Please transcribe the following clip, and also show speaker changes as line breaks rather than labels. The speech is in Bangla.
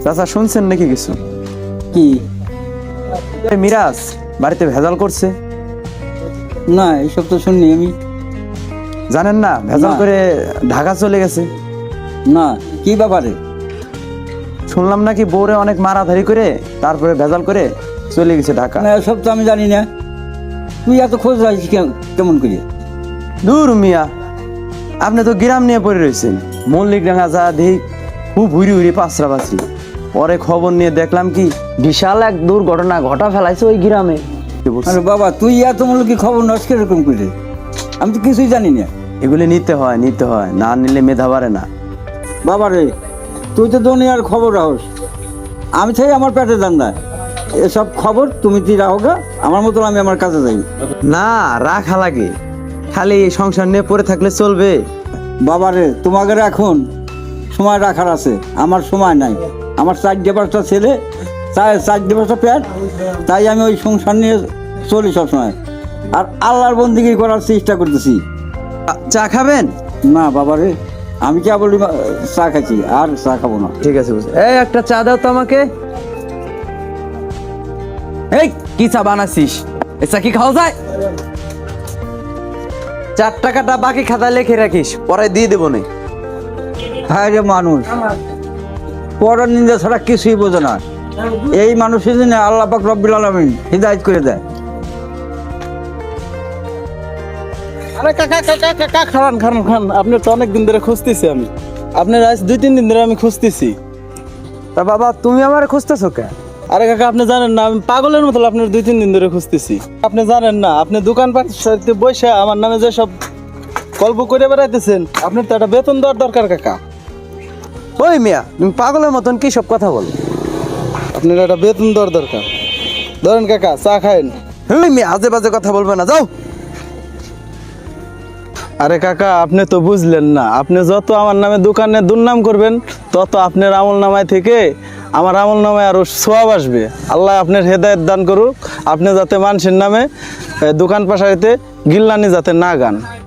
চাচা শুনছেন নাকি কিছু?
কি?
মিরাজ বাড়িতে ভেজাল করছে।
না, এইসব তো শুননি আমি।
জানেন না ভেজাল
না।
করে ঢাকা চলে গেছে।
না, কি ব্যাপারে?
শুনলাম নাকি বউরে অনেক মারাধারি করে তারপরে ভেজাল করে চলে গেছে ঢাকা।
না, এসব তো আমি জানি না। তুই এত খোঁজ রাখিস কেমন করে?
দূর মিয়া, আপনি তো গ্রাম নিয়ে পড়ে রয়েছেন। মল্লিক ডাঙ্গা যা দেখি খুব হুড়ি হুড়ি পাঁচরা পাঁচরি। পরে খবর নিয়ে দেখলাম কি বিশাল এক দুর্ঘটনা ঘটা ফেলাইছে ওই গ্রামে।
আরে বাবা, তুই এত কি খবর নষ্ট কিরকম করে? আমি তো কিছুই জানি না।
এগুলি নিতে হয় না নিলে মেধা বাড়ে না।
বাবা রে, তুই তো দুনিয়ার খবর রাখস, আমি চাই আমার পেটে দান্দা। এসব খবর তুমি তুই রাখো গা, আমার মতন আমি আমার কাজে যাই।
না, রাখা লাগে। খালি এই সংসার নিয়ে পড়ে থাকলে চলবে?
বাবা রে, তোমাকে এখন সময় রাখার আছে, আমার সময় নাই। আমার 4-5টা ছেলে, 4-5টা পেট, তাই আমি ওই সংসার নিয়ে চলি সবসময়। আর আল্লাহর বন্দিগি করার চেষ্টা করতেছি।
চা খাবেন?
না বাবা রে, আমি কে বলি চা খাচ্ছি, আর চা খাবো না।
ঠিক আছে, এই একটা চা দাও তো আমাকে। এই কি চা বানাচ্ছিস? এই চা কি খাওয়া যায়? 4 টাকাটা বাকি খাতায় লিখে রাখিস, পরে দিয়ে দেবো না।
হ্যাঁ রে মানুষ, পরের নিন্দা ছাড়া কিছুই বোঝে না। এই মানুষের জন্য আল্লাহ পাক রব্বুল আলামিন হিদায়াত করে দেয়।
আরে কাকা কাকা কাকা, খান। আপনার তো অনেক দিন ধরে খুঁজতেছি আমি। আপনার আজ 2-3 দিন ধরে আমি খুঁজতেছি।
তা বাবা তুমি আমার খুঁজতেছো কে?
আরে কাকা, আপনি জানেন না আমি পাগলের মতো আপনার 2-3 দিন ধরে খুঁজতেছি। আপনি জানেন না, আপনি দোকানপাট সাথে বসে আমার নামে যে সব গল্প করে বেড়াইতেছেন, আপনার তো একটা বেতন দেওয়ার দরকার কাকা।
ওই মিয়া, তুমি পাগলের মতন কি সব কথা বলো?
আপনার একটা বেতন দেওয়ার দরকার। ধরেন কাকা, চা খায়েন।
ওই মিয়া, আজে বাজে কথা বলবে না, যাও।
আরে কাকা, আপনি তো বুঝলেন না। আপনি যত আমার নামে দোকানে দুর্নাম করবেন, তত আপনার আমল নামায় থেকে আমার আমল নামায় আরো সোয়াব আসবে। আল্লাহ আপনার হেদায়েত দান করুক, আপনি যাতে মানুষের নামে দোকান পাশাইতে গিল্লানি যাতে না গান।